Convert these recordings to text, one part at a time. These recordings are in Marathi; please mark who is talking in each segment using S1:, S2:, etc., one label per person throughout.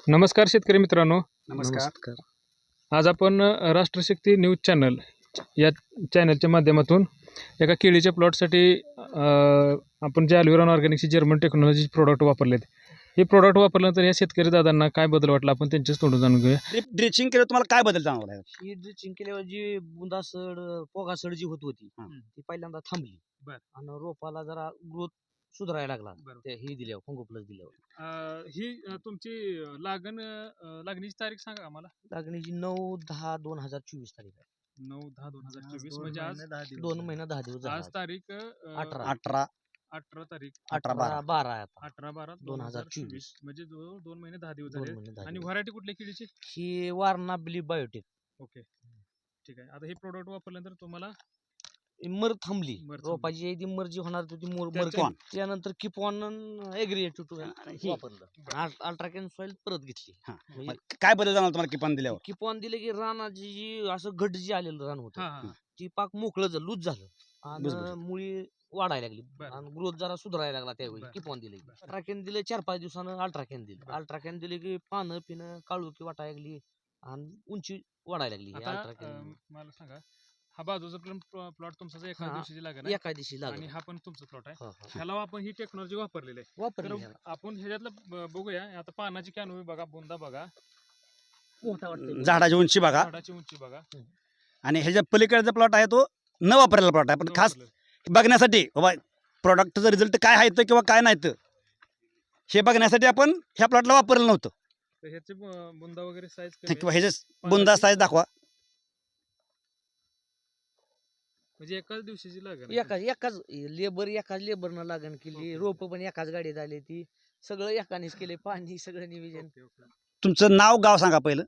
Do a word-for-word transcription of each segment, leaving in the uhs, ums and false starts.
S1: नमस्कार शेतकरी मित्रांनो.
S2: नमस्कार.
S1: आज आपण अ, राष्ट्रशक्ती न्यूज चॅनल या चॅनलच्या माध्यमातून एका केळीच्या प्लॉटसाठी अ, आपण जे अल्विरॉन ऑर्गॅनिकची जर्मन टेक्नॉलॉजी प्रोडक्ट वापरलेत. हे प्रोडक्ट वापरल्यानंतर या शेतकरी दादांना काय बदल वाटला आपण त्यांच्याच तोंडून जाणून घेऊया.
S2: ड्रिप ड्रिचिंग केलं तुम्हाला काय बदल जाणवला?
S3: ही ड्रिचिंग केल्यावर जी बुंदासड पोगासड जी होत होती
S2: हं.
S3: ती पहिल्यांदा थांबली.
S1: बर.
S3: आणि रोपाला जरा ग्रोथ सुधारायला लागला
S1: बरोबर.
S3: ते ही दिल्यावर फंगो प्लस दिल्यावर.
S1: ही अ, तुमची अ, लागण अ, लागणीची तारीख सांगा आम्हाला.
S3: लागणीची नऊ दहा दोन हजार चोवीस तारीख आहे.
S1: नऊ दहा दोन हजार चोवीस म्हणजे आज
S3: दोन महिना दहा दिवस झाले
S1: आज
S3: आज.
S1: तारीख अ,
S3: अठरा.
S2: अठरा
S1: अठरा तारीख
S2: अठरा बारा
S3: अठरा बारा आहे आता.
S1: अठरा बारा
S3: दोन
S1: दोन
S3: हजार
S1: हजार चोवीस म्हणजे जवळ दोन महिने दहा दिवस
S3: दोन
S1: झाले.
S3: महिने दहा
S1: आणि
S3: दिवस.
S1: व्हरायटी कुठल्या केळीची?
S3: ही वारणा बिली बायोटेक
S1: ओके, ठीक आहे. आता हे प्रोडक्ट वापरल्यानंतर तुम्हाला
S3: मर थांबली.
S1: मर थांबली.
S3: रोपाची जी मर जी होणार होती ती मोर मर
S1: त्याच्या-
S3: थांबली. त्यानंतर किपॉन एग्रीएट
S2: ही.
S3: वापरलं. अल्ट्राकॅन सॉइल परत घेतली.
S2: हा.
S3: म्हणजे
S2: मग काय बदल जाणवला तुम्हाला किपन दिल्यावर?
S3: किपॉन दिले की रानाची जी असं घट जी आलेलं रान होतं
S1: हा हा
S3: ती पाक मोकळं झालं, लूज झालं
S2: बुजबुजीत.
S3: आणि मुळी वाढायला लागली
S1: बरं.
S3: आणि ग्रोथ जरा सुधारायला लागला त्यावेळी
S1: बरं.
S3: किपॉन दिले
S1: बरं.
S3: अल्ट्राकॅन दिले चार पाच दिवसानं अल्ट्राकॅन दिलं
S1: बरं.
S3: अल्ट्राकॅन दिले की पानं पिणं काळुकी वाटायला लागली आणि उंची वाढायला लागली
S1: आता
S3: अल्ट्राकॅन
S1: अं, मला सांगा, हा बाजूचा प्लॉट तुमचा जो एका
S3: हा.
S1: दिवशीची लागण आहे
S3: एका दिवशी
S1: आणि
S3: लागली.
S1: हा पण तुमचा प्लॉट आहे.
S3: हा, हा.
S1: ह्याला आपण ही टेक्नॉलॉजी वापरलेली आहे. तर
S3: वापरली ह्याला.
S1: आपण ह्याच्यातलं ब- बघूया. आता पानाची कॅनोपी बघा, बुंदा बघा,
S3: मोठा वाटतोय.
S2: झाडाची उंची बघा
S1: झाडाची उंची बघा.
S2: आणि ह्याच्या पलीकडचा प्लॉट आहे तो न वापरलेला प्लॉट आहे, पण खास
S1: वापरलेलं.
S2: बघण्यासाठी बाबा प्रोडक्टचा रिझल्ट काय आहे तर किंवा काय नाही तर हे बघण्यासाठी आपण ह्या प्लॉटला वापरलं नव्हतं.
S1: तर ह्याचे ब- बुंदा वगैरे साईज
S2: किंवा ह्याचे बुंदा साईज दाखवा.
S1: म्हणजे एकाच दिवशीची लागण आहे.
S3: एकाच एकाच लेबर एकाच लेबरनं लागण केली.
S1: ओके.
S3: रोप पण एकाच गाडीत आली ती सगळं एकानेच केले. पाणी सगळं नियोजन.
S1: Okay, okay.
S2: तुमचं नाव गाव सांगा पहिलं.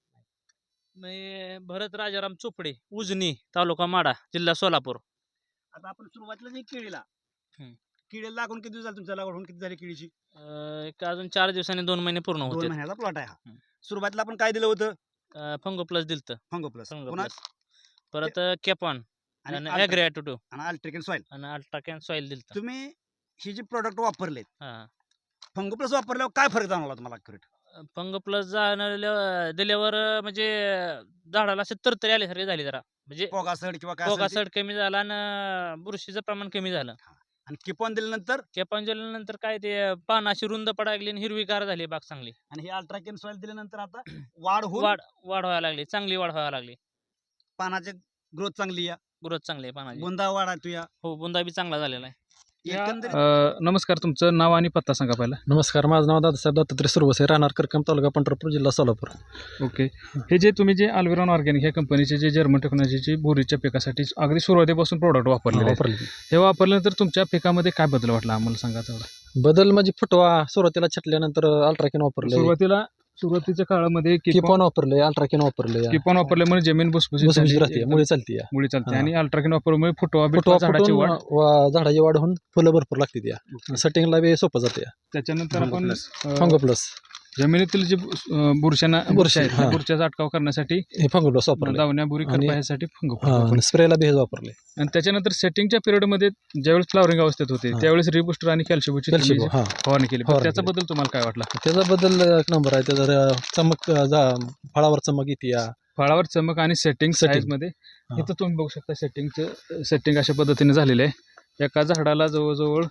S4: मी भरत राजाराम चोपडे, उजनी, तालुका माडा, जिल्हा सोलापूर.
S2: आता आपण सुरुवातीला जी केळीला
S4: हम्म.
S2: केळीला लागून किती दिवस झाले तुमच्या लागवड होऊन किती झाली केळीची?
S4: अं, एक अजून चार दिवसांनी दोन महिने पूर्ण
S2: दोन
S4: होते.
S2: महिन्याचा प्लॉट आहे हा.
S4: हम्म.
S2: सुरुवातीला आपण काय दिलं होतं?
S4: फंगो प्लस दिलत,
S2: फंगो प्लस
S4: फंगो
S2: पुन्हा
S4: प्लस. परत कॅपॉन
S2: आणि
S4: आणि
S2: अल्ट्रा-
S4: ॲग्रिॲटो
S2: आणि अल्ट्रिकन सॉइल.
S4: आणि अल्ट्राकॅन सॉइल दिलत.
S2: तुम्ही ही जी प्रोडक्ट वापरले
S4: हा.
S2: फंगो प्लस वापरल्यावर काय फरक जाणवला तुम्हाला accurate?
S4: फंगो प्लस जाणार दिल्यावर अं, म्हणजे झाडाला असे तरतरी आल्यासारखे झाले जरा, म्हणजे
S2: पोगासड किंवा काय असेल ते.
S4: पोगासड कमी झाला आणि बुरशीचं प्रमाण कमी झालं.
S2: आणि किपॉन दिल्यानंतर
S4: कॅपॉन दिल्यानंतर काय ते पान अशी रुंद पडायला लागली आणि हिरवीगार झाली बाग चांगली.
S2: आणि हे अल्ट्राकेन सॉइल दिल्यानंतर आता वाढ होऊन
S4: वाढ वाढ व्हायला लागली, चांगली वाढ व्हायला लागली.
S2: पानाची ग्रोथ चांगली या
S4: ग्रोथ चांगली आहे पानाची.
S2: बुंदा वाढ आहे तुया
S4: हो, बुंदा बी चांगला झालेला आहे.
S2: एकंदरीत
S1: अं, नमस्कार, तुमचं नाव आणि पत्ता सांगा पहिला.
S5: नमस्कार, माझं नाव दादासाहेब दत्तात्रय सुरवसे, राहणार करकम, तालुका पंढरपूर, जिल्हा सोलापूर.
S1: ओके. हे जे तुम्ही जे अल्विरॉन ऑर्गॅनिक ह्या कंपनीचे जे जर्मन टेक्नॉलॉजीची बोरीच्या पिकासाठी अगदी सुरुवातीपासून प्रोडक्ट वापरलेले आहेत.
S5: वापरली.
S1: हे वापरल्यानंतर तुमच्या पिकामध्ये काय बदल वाटला आम्हाला सांगा तेवढा.
S5: बदल म्हणजे फुटवा सुरुवातीला छटल्यानंतर अल्ट्राकेन वापरले,
S1: सुरुवातीला सुरुवातीच्या काळामध्ये
S5: किपॉन वापरले, अल्ट्राकेन वापरले.
S1: किपॉन वापरल्यामुळे जमीन भुसभुशीत
S5: भुसभुशीत
S1: झाली,
S5: राहते,
S1: एकदम
S5: मुळे चालते या.
S1: मुळी चालते.
S5: हा.
S1: आणि अल्ट्राकिन वापरल्यामुळे फुटवा
S5: फुटवा
S1: बिटवा झाडाची
S5: फुटून
S1: वाढ.
S5: वा- झाडाची वाढ होऊन फुलं भरपूर लागते त्या. सेटिंगला बी सोपं जाते.
S1: त्याच्यानंतर
S2: फंगो
S1: आपण
S2: प्लस.
S1: अं,
S5: फंगो प्लस
S1: जमिनीतील जे अं, बुरशांना
S5: बुरशी,
S1: बुरशी आहेत, त्या
S5: हा.
S1: बुरशीचा अटकाव करण्यासाठी
S5: हे फंगो प्लस वापरले.
S1: दावण्या बुरी
S5: आणि-
S1: करण्यासाठी फंगो
S5: हा, आणि स्प्रेला बी हेच वापरले.
S1: आणि त्याच्यानंतर सेटिंगच्या पिरियडमध्ये ज्यावेळेस फ्लावरिंग अवस्थेत होते
S5: हा.
S1: त्यावेळेस रिबुस्टर आणि कॅल्शियमची
S5: कॅल्शियम हा
S1: फवारणी केली.
S5: फवारणी
S1: त्याचा
S5: केली.
S1: बद्दल तुम्हाला काय वाटला?
S5: त्याचा बदल एक नंबर आहे. त्याचा र- चमक अं, जा- फळावर चमक येते या.
S1: फळावर चमक आणि सेटिंग
S5: Setting.
S1: साईज मध्ये
S5: हा.
S1: इथं तुम्ही बघू शकता सेटिंगचं सेटिंग अशा पद्धतीने झालेलं आहे. एका झाडाला जवळजवळ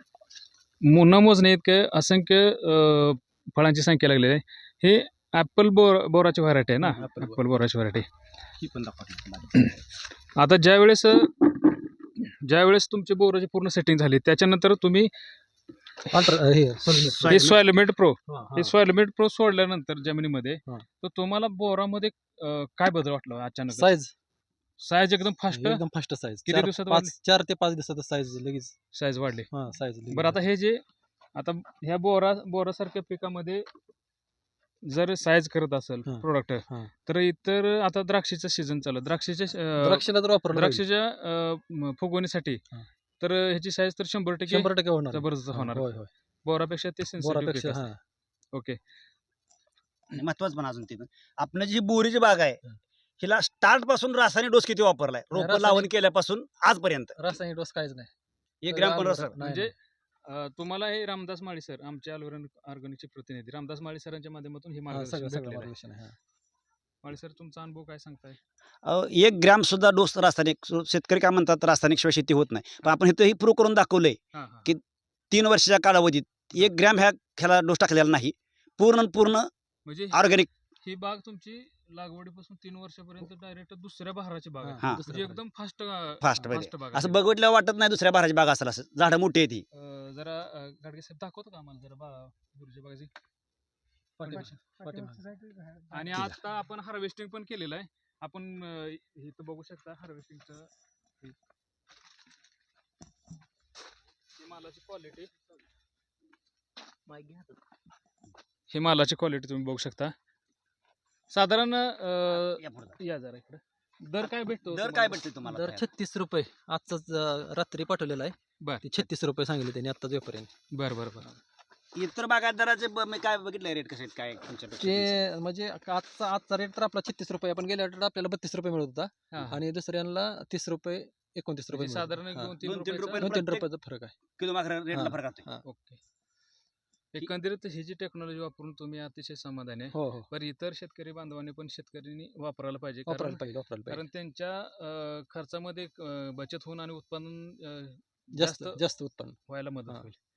S1: मो- न मोजणे इतके असंख्य अं, फळांची संख्या लागलेली आहे. हे ॲपल बोर बोराची व्हरायटी आहे ना,
S2: हं, apple
S1: ॲपल बोराची व्हरायटी.
S2: ही पण दाखवा.
S1: आता ज्यावेळेस ज्यावेळेस तुमची बोराची पूर्ण सेटिंग झाली त्याच्यानंतर तुम्ही
S5: अल्ट्रा हे
S1: हे सॉइलमेट प्रो
S5: हा, हा.
S1: हे सॉइलमेट प्रो सोडल्यानंतर जमिनीमध्ये
S5: हा.
S1: तर तुम्हाला बोरामध्ये अं, काय बदल वाटला अचानक?
S5: साईज
S1: साईज एकदम फास्ट
S5: एकदम फास्ट साईज.
S1: किती
S5: चार-
S1: दिवसात
S5: पाच चार ते पाच दिवसात साईज लगेच.
S1: साईज वाढली.
S5: हा साईज
S1: बरं, आता हे जे आता ह्या बोरा बोरासारख्या पिकामध्ये जर साईज करत असेल
S5: हा.
S1: प्रोडक्ट
S5: हा.
S1: तर इतर आता द्राक्षीचा सीझन चालू आहे. द्राक्षीच्या अं,
S5: द्राक्षाला तर वापरलं पाहिजे.
S1: द्राक्षीच्या अं, म- फुगवणीसाठी
S5: हा.
S1: तर ह्याची साईज तर शंभर टक्के
S5: शंभर टक्के होणार.
S1: जबरदस्त
S5: हा,
S1: होणार.
S5: होय होय.
S1: बोरापेक्षा ते sensitive
S5: बोरापेक्षा
S1: पीक
S5: हा
S1: असतं. ओके.
S2: आणि महत्वाचं पण अजून ते पण आपण जी बोरीची बाग आहे
S5: हं.
S2: हिला स्टार्ट पासून रासायनिक डोस किती वापरलाय रोप
S5: रासायनिक-
S2: लावून केल्यापासून आजपर्यंत?
S5: रासायनिक डोस काहीच नाही.
S2: एक ग्रॅम पण
S5: नाही,
S2: रस
S5: नाही.
S1: म्हणजे अ, तुम्हाला हे रामदास माळी सर आमचे ॲल्युरॉन ऑर्गॅनिकचे प्रतिनिधी रामदास माळी सरांच्या माध्यमातून हे
S5: हा,
S1: मार्गदर्शन
S5: सगळं सगळं
S1: भेटलेलं आहे.
S5: मार्गदर्शन आहे हा.
S1: माळी सर तुमचा अनुभव काय सांगताय?
S2: अ, एक ग्रॅम सुद्धा डोस रासायनिक सु- शेतकरी काय म्हणतात रासायनिक शिवाय शेती होत नाही, पण आपण इथं ही प्रूव्ह करून दाखवलंय
S1: हां हां
S2: की तीन वर्षाच्या कालावधीत एक ग्रॅम ह्या ह्याला डोस टाकलेला नाही. पूर्ण न पूर्ण
S1: म्हणजे
S2: ऑर्गॅनिक.
S1: ही बाग तुमची लागवडीपासून तीन वर्षापर्यंत डायरेक्ट दुसऱ्या बहाराची बाग आहे.
S5: हा,
S2: हा.
S5: दुसरं
S1: म्हणजे
S5: बरं.
S1: एकदम फास्ट
S2: फास्ट मध्ये
S1: फास्ट बाग
S2: असं
S1: आहे.
S2: बघितलं वाटत नाही दुसऱ्या बाराची बाग असेल, असं झाडं मोठी आहे ती.
S1: अ, जरा अ, गाडगे साहेब दाखवतो का आम्हाला जरा बा गुरुच्या बागाची
S5: पाठीमागे. पाठीमागे.
S1: आणि
S2: ठीक आहे.
S1: आता आपण हार्वेस्टिंग पण केलेलं आहे. आपण अ, इथं बघू शकता हार्वेस्टिंगचं मालाची क्वालिटी.
S3: माहिती घ्या हातात.
S1: ही मालाची क्वालिटी तुम्ही बघू शकता. साधारण अ,
S2: या पुढं जा.
S1: या जरा इकडे दर काय भेटतो
S2: दर
S1: तुम्हाला?
S2: काय भेटते तुम्हाला
S5: दर
S2: खायला?
S5: छत्तीस रुपये आजचाच अं, रात्री पाठवलेला आहे.
S1: बर
S5: ते छत्तीस रुपये सांगितले त्यांनी आत्ताच व्यापाऱ्यांनी.
S1: बर बर बर
S2: इतर बागायतदाराचे ब- मी काय बघितलं रेट कसे आहेत काय तुमच्यापेक्षा?
S5: ते म्हणजे आजचा आजचा रेट तर आपला छत्तीस रुपये आपण गेल्या आठवड्यात आपल्याला बत्तीस रुपये मिळत होता
S1: हा, हा.
S5: आणि दुसऱ्यांना तीस रुपये एकोणतीस रुपये
S1: म्हणजे
S5: मिळत
S1: साधारण एक
S5: होता.
S1: दोन तीन
S2: दोन तीन
S1: रुपयाचा-
S2: रुपये
S5: दोन तीन
S2: प्रत्येक-
S5: रुपयाचा फरक आहे.
S2: किलो मागं रेटला
S5: हा.
S2: फरक असतो.
S5: हा.
S1: ओके. एकंदरीत ही जी टेक्नॉलॉजी वापरून तुम्ही अतिशय समाधानी आहे.
S5: हो हो
S1: पण इतर शेतकरी बांधवांनी पण शेतकऱ्यांनी वापरायला पाहिजे, कारण
S5: वापरायला पाहिजे वापरायला पाहिजे
S1: कारण त्यांच्या अ, खर्चामध्ये अ, बचत होऊन आणि उत्पादन अ,
S5: जास्त
S1: जास्त
S5: जास्त उत्पन्न
S1: व्हायला मदत
S5: हा.
S1: होईल.